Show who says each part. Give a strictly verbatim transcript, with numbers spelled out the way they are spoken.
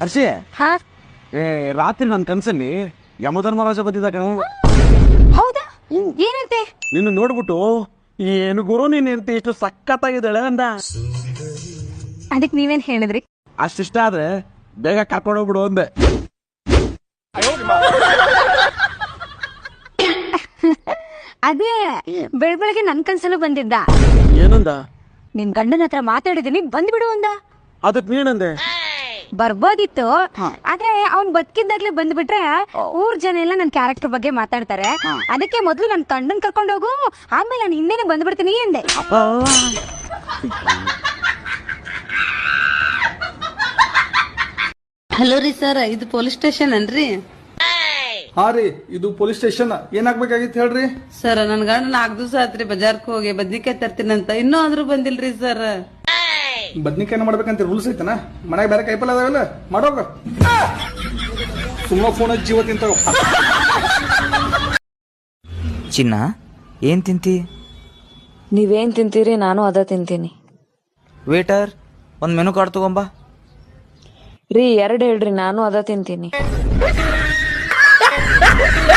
Speaker 1: ಹರ್ಷಿ,
Speaker 2: ಹಾ
Speaker 1: ಏ ರಾತ್ರಿ ನನ್ನ ಕನ್ಸಲ್ಲಿ ಯಮಧರ್ಮರಾಜ ಬಂದಿದ್ದಾಗ
Speaker 2: ಹೌದಾ, ಏನಂತೆ?
Speaker 1: ನಿನ್ನ ನೋಡ್ಬಿಟ್ಟು ಏನು ಗುರು ನೀನ್ ಇರ್ತಿ ಇಷ್ಟು ಸಖತ್ತಾಗಿದ್ದಾಳೆ ಅಂದ.
Speaker 2: ಅದಕ್ಕೆ ನೀವೇನ್ ಹೇಳಿದ್ರಿ?
Speaker 1: ಅಷ್ಟಿಷ್ಟ ಆದ್ರೆ ಬೇಗ ಕರ್ಕೊಂಡು ಹೋಗ್ಬಿಡು ಅಂದೆ.
Speaker 2: ಅದೇ ಬೆಳ್ ಬೆಳಗ್ಗೆ ನನ್ ಕನ್ಸಲ್ಲೂ ಬಂದಿದ್ದ.
Speaker 1: ಏನಂದ?
Speaker 2: ನಿನ್ ಗಂಡನ ಹತ್ರ ಮಾತಾಡಿದೀನಿ, ಬಂದ್ಬಿಡು ಅಂದ.
Speaker 1: ಅದಕ್ ನೀನಂದೆ?
Speaker 2: ಬರ್ಬೋದಿತ್ತು, ಆದ್ರೆ ಅವ್ನ್ ಬದುಕಿದ್ದಾಗ್ಲೇ ಬಂದ್ಬಿಟ್ರೆ ಊರ್ ಜನ ಎಲ್ಲ ನನ್ ಕ್ಯಾರೆಕ್ಟರ್ ಬಗ್ಗೆ ಮಾತಾಡ್ತಾರೆ. ಅದಕ್ಕೆ ಮೊದ್ಲು ನನ್ ಗಂಡನ್ ಕರ್ಕೊಂಡು ಹೋಗು, ಆಮೇಲೆ ನಾನು ಹಿಂದೆನೆ ಬಂದ್ಬಿಡ್ತೀನಿ ಅಂದೆ.
Speaker 3: ಹಲೋ ರೀ ಸರ್, ಇದು ಪೊಲೀಸ್ ಸ್ಟೇಷನ್ ಅನ್ರಿ?
Speaker 4: ಹಾ ರೀ, ಇದು ಪೊಲೀಸ್ ಸ್ಟೇಷನ್. ಏನಾಗ್ಬೇಕಾಗಿತ್ತು ಹೇಳ್ರಿ?
Speaker 3: ಸರ್ ನನ್ ಗಂಡ ನಾಲ್ಕು ದಿವಸ ಆತ್ರಿ ಬಜಾರ್ಕ್ ಹೋಗಿ ಬದ್ನಿಕಾಯಿ ತರ್ತೀನಂತ, ಇನ್ನೂ ಆದ್ರೂ ಬಂದಿಲ್ರಿ ಸರ್.
Speaker 4: ಬದ್ನಿಕಾಯಿನ ಮಾಡ್ಬೇಕಂತ ರೂಲ್ಸ್ ಐತನ? ಮನ್ಯಾಗ ಬೇರೆ ಕೈಪಲ್ ಅದಾವಲ್ಲ, ಮಾಡೋಗ. ಸುಮ್ಮ ಫೋನ್ ಜೀವ ತಿಂತಾವ.
Speaker 5: ಚಿನ್ನ, ಏನ್ ತಿಂತಿ?
Speaker 6: ನೀವೇನ್ ತಿಂತೀರಿ ನಾನು ಅದ ತಿಂತೀನಿ.
Speaker 5: ವೇಟರ್, ಒಂದ್ ಮೆನು ಕಾರ್ಡ್ ತಗೊಂಬ.
Speaker 6: ರೀ ಎರಡು ಹೇಳ್ರಿ, ನಾನು ಅದ ತಿಂತೀನಿ.